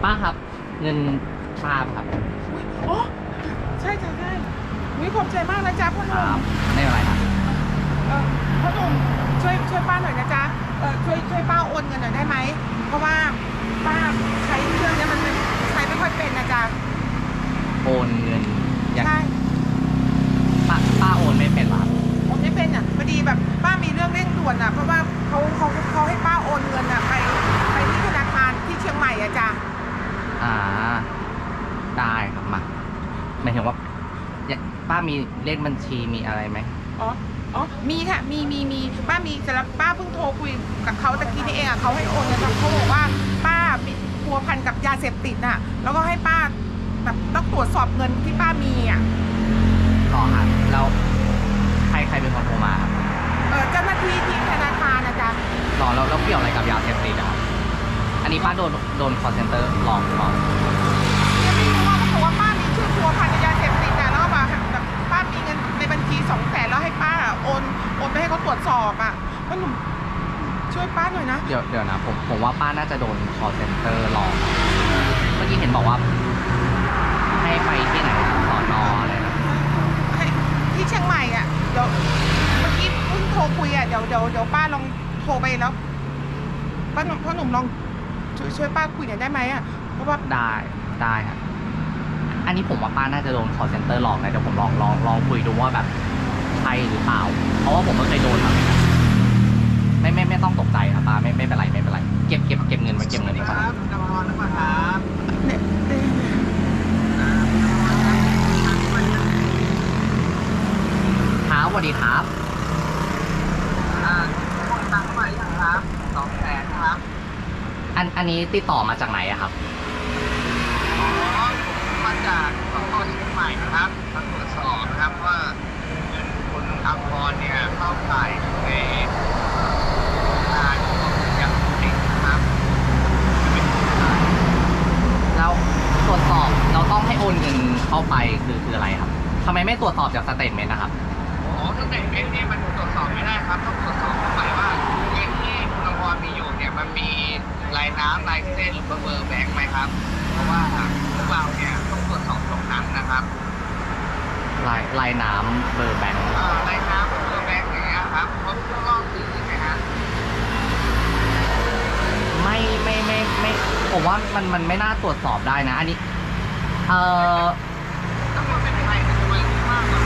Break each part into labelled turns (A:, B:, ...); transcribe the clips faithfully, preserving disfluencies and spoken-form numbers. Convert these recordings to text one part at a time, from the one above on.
A: ป้าครับเงินป้าครับ
B: โอ้ใช่ใช่ใช่วิขอบใจมากนะจ๊ะพ่อห
A: ค
B: นุ่
A: รั
B: ม
A: บไม่เป็นไรครับ
B: เออพ่อหนุ่มช่วยช่วยป้าหน่อยนะจ๊ะเออช่วยช่วยป้าโอนเงินหน่อยได้ไหมเพราะว่าป้าใช้เครื่องเนี้ยมันใช้ไม่ค่อยเป็นนะจ๊ะ
A: โอนเงินอย่าง
B: ใช่
A: ป้าป้าโอนไม่เป็นหรอครับ
B: โอนไม่เป็นอ่ะพอดีแบบป้ามีเรื่องเร่งด่วนอ่ะเพราะว่าเขาเขาเขาให้ป้าโอนเงินอ่ะไปไปที่ธนาคารที่เชียงใหม่อ่ะจ๊ะ
A: อ่าได้ครับมาหมายถึงว่าอยากป้ามีเลขบัญชีมีอะไรไหม
B: อ๋ออ๋อมีค่ะมีมีมีป้ามีแต่ละป้าเพิ่งโทรคุยกับเขาตะกี้นี่เองอ่ะเขาให้โอนเงินเขาบอกว่าป้ามีพัวพันกับยาเสพติดน่ะแล้วก็ให้ป้าแบบต้องตรวจสอบเงินที่ป้ามีอ่ะ
A: ต่อครับแล้วใครใครเป็นคนโทรมาครับ
B: เออเจ้าหน้าที่ที่ธนาคารนะจ๊ะ
A: ต่อแล้วแล้วเกี่ยวอะไรกับยาเสพติดอะครับอันนี้ป้าโดนโดน call center หลอกหรือเปล่า
B: ยังไม่รู้ว่าเขาบอกว่าป้ามีชื่อพัวพันกับยาเสพติดอ่ะแล้วก็แบบแบบป้ามีเงินในบัญชีสองแสนแล้วให้ป้าโอนโอนไปให้เขาตรวจสอบอ่ะพ่อหนุ่มช่วยป้าหน่อยนะ
A: เดี๋ยวเดี๋ยวนะผมผมว่าป้าน่าจะโดน call center หลอกเมื่อกี้เห็นบอกว่าให้ไปที่ไหนนะสอนออะไรนะ
B: ให้ที่เชียงใหม่อ่ะเดี๋ยวเมื่อกี้เพิ่งโทรคุยอ่ะเดี๋ยวเดี๋ยวเดี๋ยวป้าลองโทรไปแล้วป้าหนุ่มพ่อหนุ่มลองช่วยช่วยป้าคุยหน่อยได้ไหมอ่ะเพราะว่า
A: ได้ได้ครับอันนี้ผมว่าป้าน่าจะโดน call center หลอกนะเดี๋ยวผมลองลองลองคุยดูว่าแบบใช่หรือเปล่า เพราะว่าผมก็เคยโดนมาเหมือนกันไม่ไม่ไม่ต้องตกใจครับป้าไม่ไม่เป็นไรไม่เป็นไรเก็บเก็บเก็บเงินไว้เก็บเงินไว้ก่อน
C: ครับกำลังรอหรือเปล่าครับ
B: เนี่ยเอ๊ะ
A: ครับสวัสดีครับ
C: อ่าโอนตังเข้ามาหรือยังครับสองแสนครับ
A: อันอันนี้ติดต่อมาจากไหนอะครับ
C: อ๋อผมมาจากสพเชียงใหม่นะครับมาตรวจสอบนะครับว่าเงินคุณอัมพรเนี่ยเข้าข่ายในการของยาเสพติดนะครับ
A: แล้วตรวจสอบเราต้องให้โอนเงินเข้าไปคือคืออะไรครับทำไมไม่ตรวจสอบจากสเตทเมนต์นะครับ
C: อ๋อตั้งแต่เม็ดเนี่ยมันตรวจสอบไม่ได้ครับต้องตรวจสอบเข้าไปว่าเงินที่คุณอัมพรมีอยู่เนี่ยมันมีลายน้ำลายเส้นหรือเบอร์แบงค์ไหมครับ เพราะว่าพวกเราเนี่ยต้องตรวจสอบตรงนั้นนะครับ
A: ลายลายน้ำเบอร์แบงค์
C: เอ่อลายน้ำเบอร์แบงค์อย่างเงี้ยครับเพราะพวกเราสื่อไหมฮะ
A: ไม่ไม่ไม่ไม่ผมว่ามันมันไม่น่าตรวจสอบได้นะ อันนี้เอ่อ
C: ถ้ามันเป็นไทยมันจะมันมากกว่า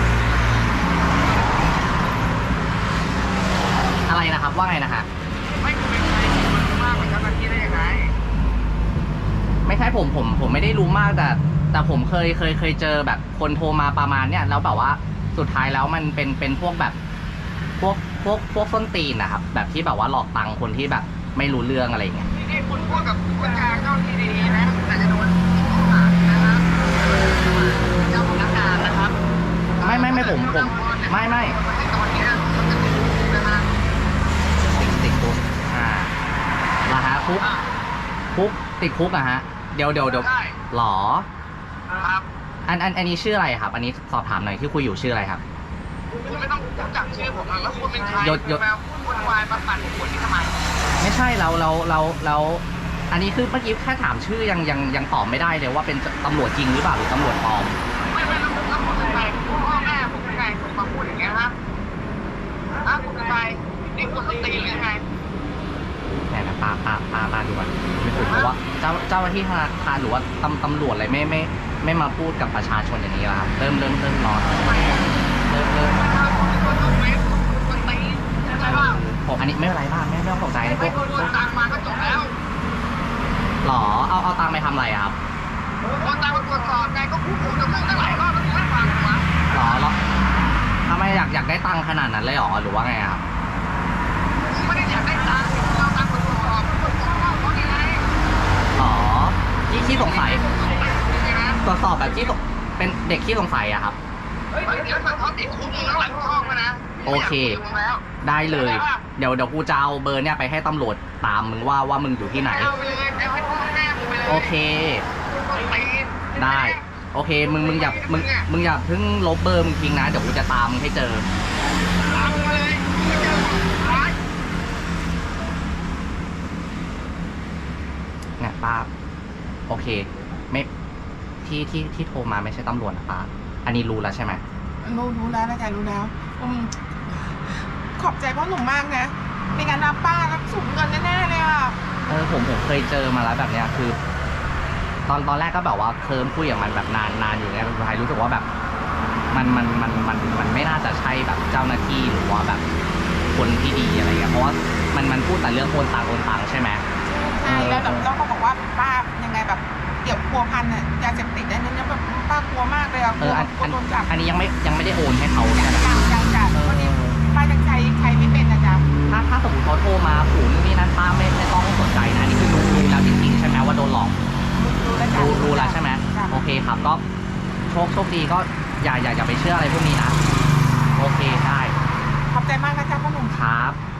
A: อะไรนะครับว่าไงนะฮะ
C: ไม่เป็นไทยมันมากกว่าเจ้าหน้าที่ได้ยังไง
A: ไม่ใช่ผมผมผมไม่ได้รู้มากแต่ แต่ผมเคยเคยเคยเจอแบบคนโทรมาประมาณเนี้ยแล้วแบบว่าสุดท้ายแล้วมันเป็นเป็นพวกแบบ พวกพวกพวกส้นตีนนะครับแบบที่แบบว่าหลอกตังค์คนที่แบบไม่รู้เรื่องอะไรอย่างเงี้ย
C: ที่นี่คุณพูดกับผู้บัญชาการเจ้าหน้าที่ดีๆนะแต่จะโดนข้อหานะครับเจ้าพนักงานนะครับ
A: ไม่ไม่ไม่ผมผมไม่ไม่
C: ตอนนี้มันจะติดคุกนะฮะ
A: ติดติดคุกอ่าละฮะคุกคุกติดคุกอะฮะเดี๋ยวเดี๋ยวเดี๋ยว
C: ได้
A: หรอ
C: ครับ
A: อันอันอันนี้ชื่ออะไรครับ อันนี้สอบถามหน่อยที่คุยอยู่ชื่ออะไรครับ
C: คุณไม่ต้องรู้จักชื่อผมแล้วคุณเป็นใคร
A: ยศยศ
C: มาพูดวายมาปั่นหัวนี่ทำไม
A: ไม่ใช่เราเราเราเราอันนี้คือเมื่อกี้แค่ถามชื่อยังยังยังตอบไม่ได้เลยว่าเป็นตำรวจจริงหรือเปล่าหรือตำรวจปลอม
C: ไม่ไม่แล้วผมแล้วผมเป็นใครคุณพ่อแม่ผมเป็นใครผมมาพูดอย่างเงี้ยฮะฮะคุณเป็นใครนี่คุณสตีหรือยังไง
A: เนี่ยนะปาปาปาปาดูก่อนไม่ถูกเพราะว่าเจ้าเจ้าหน้าที่ธนาคารหรือว่าตำตำรวจอะไรไม่ไม่ไม่มาพูดกับประชาชนอย่างนี้แล้วครับเริ่มเริ่มเริ่มร้อนเริ่มเริ่ม
C: ถ้าคุณเป็นคนเอาเฟซคุณเป็นคนตีใช่ไหมว่า
A: ผมอันนี้ไม่เป็นไรบ้างไม่ไม่ต้องตกใจนะพ
C: ไม่
A: วก
C: คุณโอนตังมาก็จบแล้ว
A: หรอเอาเอาตังค์ไปทำอะไรอะครับ
C: โอนตังมาตรวจสอบไงก็พูดพูดกับมึงตั้งหลายรอบแล้วมึงไม่ฟังกูวะ
A: หรอหรอทำไมอยากอยากได้ตังค์ขนาดนั้นเลยหรอหรือว่าไงครับ
C: มึงไม่ได้อยากได้ตังค์มึงเอาตังค์มาตรวจสอบมึงตรวจสอบว่าเขายังไง
A: หรอที่ที่สงสัย
C: ยังไงนะ
A: ตรวจสอบแบบที่สงเป็นเด็กที่สงสัยอะครับ
C: เฮ้ยเดี๋ยวถ้าเขาติดคุกมึงแล้วหลังช่องมานะ
A: โอเค ได้เลย เดี๋ยวเดี๋ยวกูจะเอาเบอร์เนี่ยไปให้ตำรวจตามมึงว่าว่ามึงอยู่ที่ไหน
C: เอาไปเลยเอาให้พ่อแม่มึงไปเลย
A: โอเค ได้ โอเค มึงมึงอย่ามึงมึงอย่าเพิ่งลบเบอร์มึงทิ้งนะ เดี๋ยวกูจะตามมึงให้เจอ
C: ตามมึงมาเลยมึงเจอร้าย
A: เนี่ยป้าโอเค ไม่ที่ที่ที่โทรมาไม่ใช่ตำรวจนะป้าอันนี้รู้แล้วใช่ไหม
B: รู้รู้แล้วนะจ๊ะรู้แล้วอืมขอบใจพ่อหนุ่มมากนะไม่งั้นนะป้ารับสูญเงินแน่ๆเลยอ่ะ
A: เออผมผมเคยเจอมาแล้วแบบเนี้ยคือ ตอนตอนแรกก็แบบว่าเคิร์มคุยกับมันแบบนานนานอยู่เนี่ยสุดท้ายรู้สึกว่าแบบ มันมันมันมันมันไม่น่าจะใช่แบบเจ้าหน้าที่หรือว่าแบบคนที่ดีอะไรเงี้ยเพราะว่ามันมันพูดแต่เรื่องโอนตังโอนตังใช่ไหม
B: ใช่แล้วแบบต้องบอกว่าป้ายังไงแบบเกี่ยวพัวพันอ่ะยาเสพติดอันนี้แบบป้ากลัวมากเลยอ่ะก
A: เอ
B: ลัว
A: ออัน
B: กลั
A: อั
B: วน โดนจับ
A: อันนี้ยังไม่ยังไม่ได้โอนให้เขาใช่ไหม
B: ยังยังจ้ะ
A: เออ
B: วันนี้ป้ายังใช้ใช้ไม่เป็นนะจ๊ะ
A: ถ้าถ้าสมมติเขาโทรมาขู่นู่นนี่นั่นป้าไม่ไม่ต้องสนใจนะอันนี่คือรู้รู้แล้วจริงๆใช่ไหมว่าโดนหลอก
B: รู้แล้วจ้ะ
A: รู้รู้แล้วใช่ไหม
B: จ้ะ
A: โอเคครับก็โชคโชคดีก็อย่าอย่าอย่าไปเชื่ออะไรพวกนี้นะโอเคได้
B: ขอบใจมากนะจ๊ะพ่อหนุ่ม
A: ครับ